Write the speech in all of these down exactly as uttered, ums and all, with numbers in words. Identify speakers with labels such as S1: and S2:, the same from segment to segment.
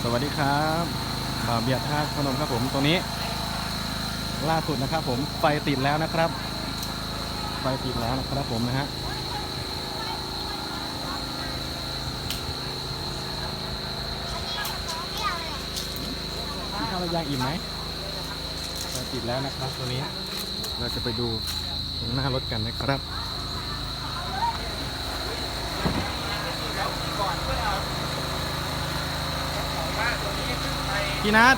S1: สวัสดีครับบ่าวเบียร์ท่าพนมครับผมตรงนี้ล่าสุดนะครับผมไฟติดแล้วนะครับไฟติดแล้วนะครับผมนะฮะข้าวย่างอิ่มไหมไฟติดแล้วนะครับตัวนี้เราจะไปดูตรงหน้ารถกันนะครับพี่นัท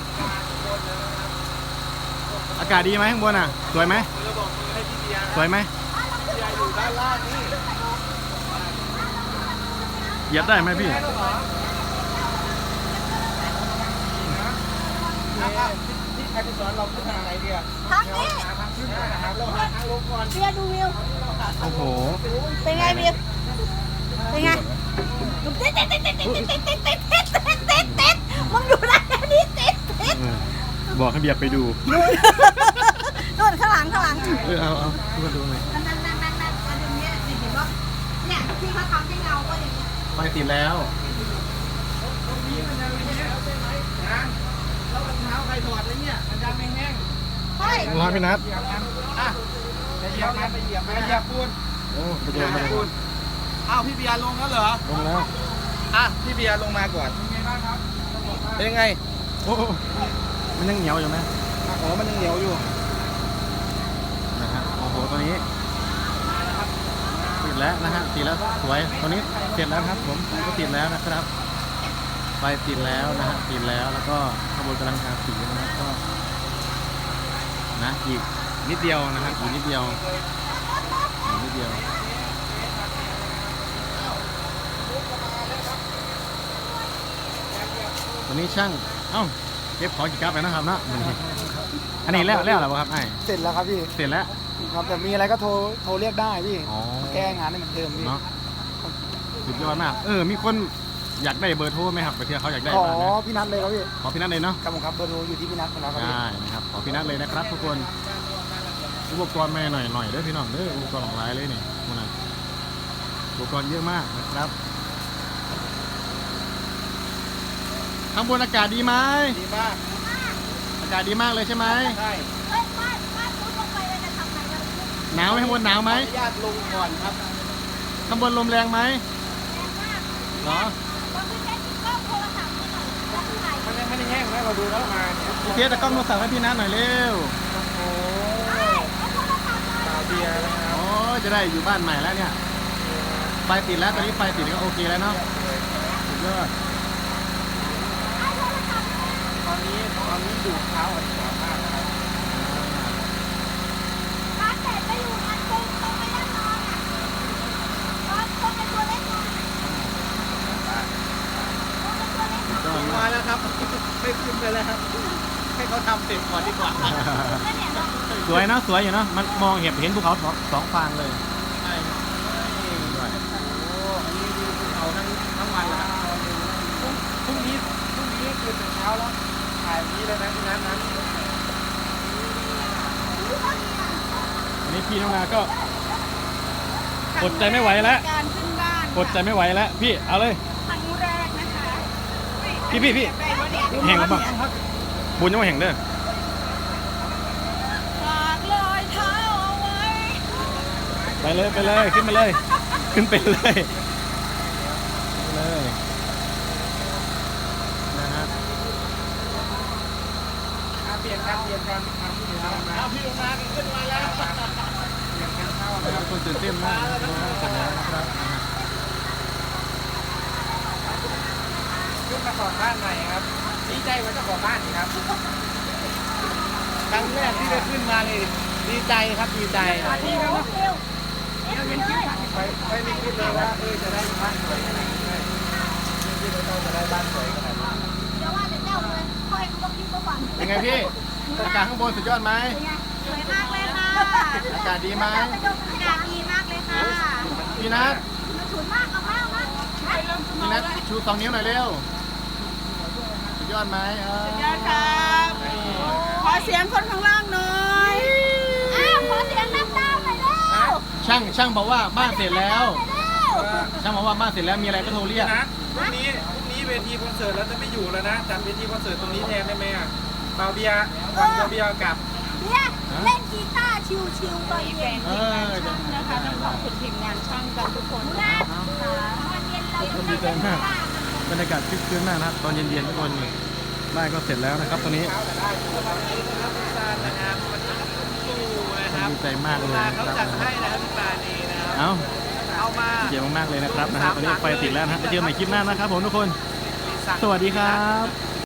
S1: อากาศดีไหมข้างบนอ่ะสวยไหมสวยไหมเหยียบได้ไหมพี่
S2: ที่ใครไปสอนเราขึ้นทางไหนดีอ่ะ
S3: ทางนี้
S2: ทางขึ้นนะครับเราหาทางลงก่อน
S3: เบียร์ดูวิว
S1: โอ้โห
S3: เป็นไงเบียร์เป็นไงเต๊ดเต๊ดเต๊ดเต๊ดเต๊ดเต๊ดเต๊ดเต๊ดเต๊ดเต๊ดเต๊ดมึงอยู่ไหนนี่เต๊ดเต๊ด
S1: บอกให้เบียร์ไปดู
S3: นู่นข้างหลังข้างหลัง
S1: เออเอาเอาดูมาดูหน่อย
S3: นั่นนั่นนั่นนั่นนั่นอันนี้เห็นป่ะเนี่ยที่เขาทำให้เงาก็อย่างเงี้ย
S1: ไฟติดแล้ว
S2: ตรงนี้มันจะไม่แห้งใช่ไหมนะแล้วรองเท้าใครถอดเลยเนี่ยมันจะไม่แห้ง
S3: ใช่
S1: รองเท้าพี่นัท
S2: เหยียบมันอ่ะจะเหยียบมันไปเหยียบมันเหยียบปูน
S1: โอ้ไปเจอมาเลย
S2: อ้าวพี่เบียร์ลงแล้วเหรอ
S1: ลงแล้ว
S2: อ่ะพี่เบียร์ลงมาก่อนเป็นไงบ้างครับเป็นยังไง
S1: โอ้มันยังเหนียวอยู่ไหม
S2: อ๋อมันยังเหนียวอยู่
S1: นะฮะโอ้โหตัวนี้ติดแล้วนะฮะติดแล้วสวยตัวนี้เสร็จแล้วครับผมก็ติดแล้วนะครับไฟติดแล้วนะฮะติดแล้วแล้วก็ขบวนกำลังทาสีนะครับก็นะอีกนิดเดียวนะครับอีกนิดเดียวอีกนิดเดียวตัวนี้ช่างเอ้าเก็บของกี่กับไปนะครับเนาะอันนี้แล้วแล้วหรอครับไอ้
S2: เสร็จแล้วครับพี่
S1: เสร็จแล้ว
S2: ครับแต่มีอะไรก็โทรโทรเรียกได้พี่แก้งานให้มันเดิมพี่
S1: เนาะสุดยอดมากเออมีคนอยากได้เบอร์โทรไหมครับไปเที่ยวเขาอยากได้
S2: ขอพี่นัทเลยครับพี่
S1: ขอพี่นัทเลยเนาะ
S2: ครับผมครับเบอร์โทรอยู่ที่พี่นัทของเราครับ
S1: ได้นะครับขอพี่นัทเลยนะครับทุกคนอุปกรณ์มาหน่อยหน่อยเด้อพี่น้องเด้ออุปกรณ์หลากหลายเลยนี่มันนะอุปกรณ์เยอะมากนะครับข้างบนอากาศดีไหม
S2: ดีมาก
S1: อากาศดีมากเลยใช่ไหม
S2: ใช่
S1: หนาวไหมข้างบนหนาวไหม
S2: ญาติลงก่อนครับ
S1: ข้างบนลมแรงไหมเหรอ
S2: มันยังไม่ได้แห้งนะเราดูแล้วมา
S1: พี่เทสตะกล้องโทรศัพท์ให้พี่นัทหน่อยเร็ว
S2: โอ้เบียร์นะครับ
S1: โอ้จะได้อยู่บ้านใหม่แล้วเนี่ยไฟติดแล้วตอนนี้ไฟติดก็โอเคแล้วเนาะสุดยอด
S2: ตอนนี้ตอนนี้ดูเท้าอ่อนแรงมากนะครับ
S3: ร้านเสร็จไปอยู่งานตรงตรงไปด้านนอนอ่ะตอนตรงในตัวเล็กนอน
S2: มาแล้วครับไม่ขึ้นไปแล้วครับให้เขาทำเสร็จก่อนดีกว่า
S1: สวยเนาะสวยอยู่เนาะมันมองเห็นเห็นภูเขาสองฟางเลย
S2: ใช่โอ้อันนี้ดูภูเขาทั้งทั้งวันแล้วพรุ่งนี้พรุ่งนี้คือตื่นเช้าแล้วถ่ายนี้เลยนะที่นั้นนั้น
S1: อันนี้พี่น้องนาก็อดใจไม่ไหวแล้วอดใจไม่ไหวแล้วพี่เอาเลย
S3: ครั้งแรกนะคะ
S1: พี่พี่พี่แห่งบ้างบุญยังไม่แห่งเด้อ
S3: ฝากรอยเท้าเอาไว้
S1: ไปเลยไปเลยขึ้นมาเลยขึ้นไปเลยเลยนะฮะ
S2: เปลี่ยนกันเปลี่ยนกันเอาพี่ลงมาขึ้นมาแล้วเปลี่ยนกันเข้านะครับ
S1: คนตื่นเต้นมากนะครับเสร็จแล้วนะครับ
S2: ขึ้นมาก่อนบ้านใหม่ครับดีใจว่าเจ้าของบ้านนี่ครับครั้งแรกที่ได้ขึ้นมานี่ดีใจครับดีใจดีครับไปไปไม่คิดเลยว่าเออจะได้บ้านสวยขนาดนี้ไม่คิดว่าเราจะได้บ้านสวยขนาดนี้
S3: เดี๋ยวว่าจะเจ้าเลยค่อยต้องคิดก่อน
S1: เป็นไงพี่อากาศข้างบนสุดยอดไหม
S3: สวยมากเลยค่ะ
S1: อากาศดีไหม
S3: อากาศดีมากเลยค่ะ
S1: พี่นัท
S3: ฉุนมากเอามากมาก
S1: พี่นัทชูสองนิ้วหน่อยเร็วสุดยอดไหม
S3: สุดยอดครับขอเสียงคนข้างล่างหน่อยอ้าวขอเสียงน้ำตาหน่อยเร็ว
S1: ช่างช่างบอกว่าบ้านเสร็จแล้วช่างบอกว่าบ้านเสร็จแล้วมีอะไรก็โทรเรียก
S2: พรุ่งนี้พรุ่งนี้เวทีคอนเสิร์ตแล้วจะไม่อยู่แล้วนะจัดเวทีคอนเสิร์ตตรงนี้แทนได้ไหมอ่ะเบาเบียร์วันเบาเบียร์กลับ
S3: เนี่ยเล่นกีตาร์ชิวๆตอน
S4: มีแฟ
S3: เย็น
S4: นทีมงานช่างนะคะต้องขอบคุณทีมงานช่างกันทุกคน
S3: นะ
S4: นะ
S3: ตอนเย็นเรา
S1: ก็ดีใจมากบรรยากาศคึกคืนมากนะครับตอนเย็นๆทุกคนบ้านก็เสร็จแล้วนะครับตอนนี้
S2: นะครับวันนี้สู้นะครับ
S1: ดีใจมากเลยนะ
S2: เขา
S1: ครับ
S2: จัดให้นะครับพี่ปานีนะครับ
S1: เอ้า
S2: เอามา
S1: ดีใจมากๆเลยนะครับนะฮะตอนนี้ไฟติดแล้วนะฮะไปเจอกันใหม่คลิปหน้านะครับผมทุกคน สวัสดีครับ